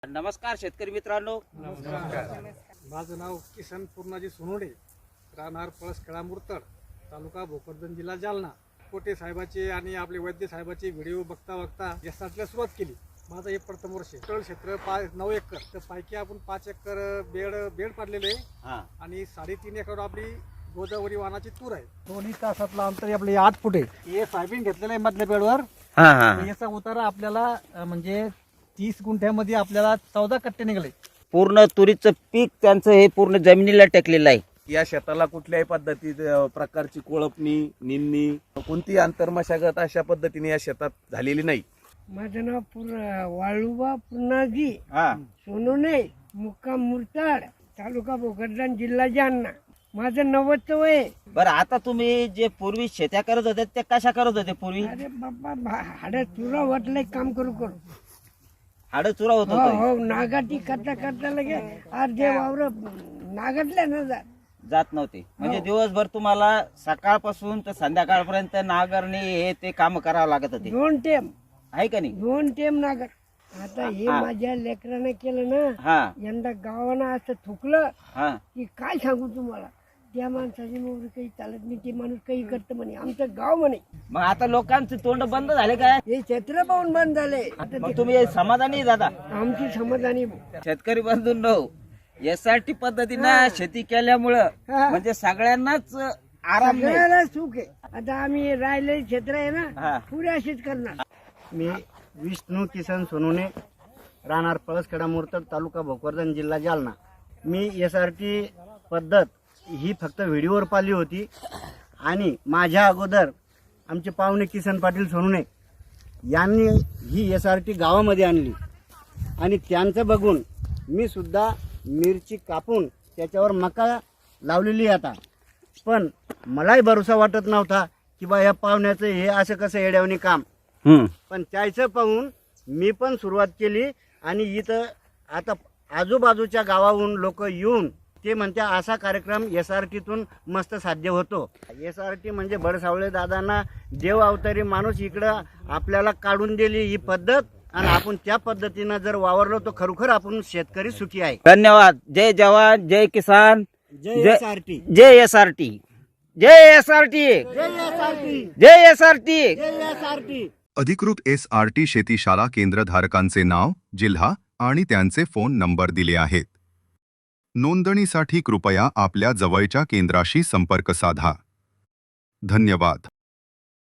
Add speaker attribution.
Speaker 1: नमस्कार शेतकरी मित्रांनो.
Speaker 2: नमस्कार. माझं नाव किसन पूर्णाजी सोनोडे, राहणार पळसखेडा मुरतड, तालुका भोकरदन, जिल्हा जालना. कोटे साहेबाचे आणि आपले वैद्य साहेबाचे व्हिडिओ बघता बघता यशाला सुरुवात केली. माझं हे प्रथम वर्ष. टोटल क्षेत्र 9 एकर, तर पैकी आपण 5 एकर बेड पाडलेले आणि 3.5 एकर आपली गोदावरी वाहनाची तूर आहे. 2 तासातलं अंतर आपले 8 फूट आहे. हे साहेबीन घेतलेलं आहे मधल्या बेडवर. याचा उतारा आपल्याला म्हणजे 30 गुंठ्यामध्ये आपल्याला 14 कट्टे निघाले.
Speaker 1: पूर्ण तुरीचं पीक त्यांचं हे पूर्ण जमिनीला टेकलेलं आहे.
Speaker 3: या शेताला कुठल्याही पद्धती प्रकारची कोळपणी, निंदणी, कोणती आंतरमशागत अशा पद्धतीने या शेतात झालेली नाही.
Speaker 4: माझं नाव वाळुबा पुन्नाजी सोनोने, मुक्काम मुरताड, तालुका भोकरदन, जिल्हा जालना. माझं 90 वय.
Speaker 1: बरं, आता तुम्ही जे पूर्वी शेत्या करत होते ते कशा करत होते पूर्वी?
Speaker 4: अरे बाप्पा, हाडं तुला वाटलंय काम करू करू.
Speaker 1: हाडं चुरा होत
Speaker 4: हो
Speaker 1: होतं.
Speaker 4: हो, नागाटी करता करता लगे अर्धे वावर नागटल्या ना
Speaker 1: जात नव्हते. म्हणजे दिवसभर तुम्हाला सकाळपासून तर संध्याकाळपर्यंत नागरणी हे ते काम करावं लागत होते.
Speaker 4: 2 टेम
Speaker 1: आहे का नाही?
Speaker 4: 2 टेम नागर. आता हे माझ्या लेकराने केलं ना, यंदा गावानं असं थुकलं की काय सांगू तुम्हाला. त्या माणसाची मोहरी काही चालत नाही, ते माणूस काही करत म्हणे, आमचं गाव म्हणे.
Speaker 1: मग आता लोकांचे तोंड बंद झाले काय?
Speaker 4: हे क्षेत्र पाहून बंद झाले. आता
Speaker 1: मग तुम्ही समाधानी दादा?
Speaker 4: आमची समाधानी.
Speaker 1: शेतकरी बंधूंनो, एसआरटी पद्धतीनं शेती केल्यामुळं म्हणजे सगळ्यांनाच आराम नाही.
Speaker 4: सगळ्याला सुख आहे. आता आम्ही राहिले क्षेत्र आहे ना, पुरे असेच करणार.
Speaker 5: मी विष्णू किसन सोनोने, राहणार पळसखेडा मुरतड, तालुका भोकरदन, जिल्हा जालना. मी SRT पद्धत ही फक्त व्हिडिओवर पाहिली होती आणि माझ्या अगोदर आमचे पाहुणे किसन पाटील सोनोने यांनी ही SRT गावामध्ये आणली आणि त्यांचं बघून मी सुद्धा मिरची कापून त्याच्यावर मका लावलेली आता. पण मलाही भरोसा वाटत नव्हता की बा या पाहुण्याचं हे असं कसं येड्यावणी काम. पण त्याचं पाहून मी पण सुरुवात केली आणि इथं आता आजूबाजूच्या गावाहून लोक येऊन ते म्हणते असा कार्यक्रम SRTतून मस्त साध्य होतो. SRT म्हणजे बडसावळे दादांना देव अवतारी माणूस इकडं आपल्याला काढून दिली ही पद्धत आणि आपण त्या पद्धतीनं जर वावरलो तर खरोखर आपण शेतकरी सुखी आहे.
Speaker 1: धन्यवाद. जय जवान, जय किसान,
Speaker 5: जय SRT.
Speaker 1: जय SRT, जय SRT,
Speaker 5: जय SRT,
Speaker 1: जय SRT.
Speaker 5: जय SRT.
Speaker 6: अधिकृत SRT शेतीशाळा केंद्रधारकांचे नाव, जिल्हा आणि त्यांचे फोन नंबर दिले आहेत. नोंदणीसाठी कृपया आपल्या जवळच्या केंद्राशी संपर्क साधा. धन्यवाद.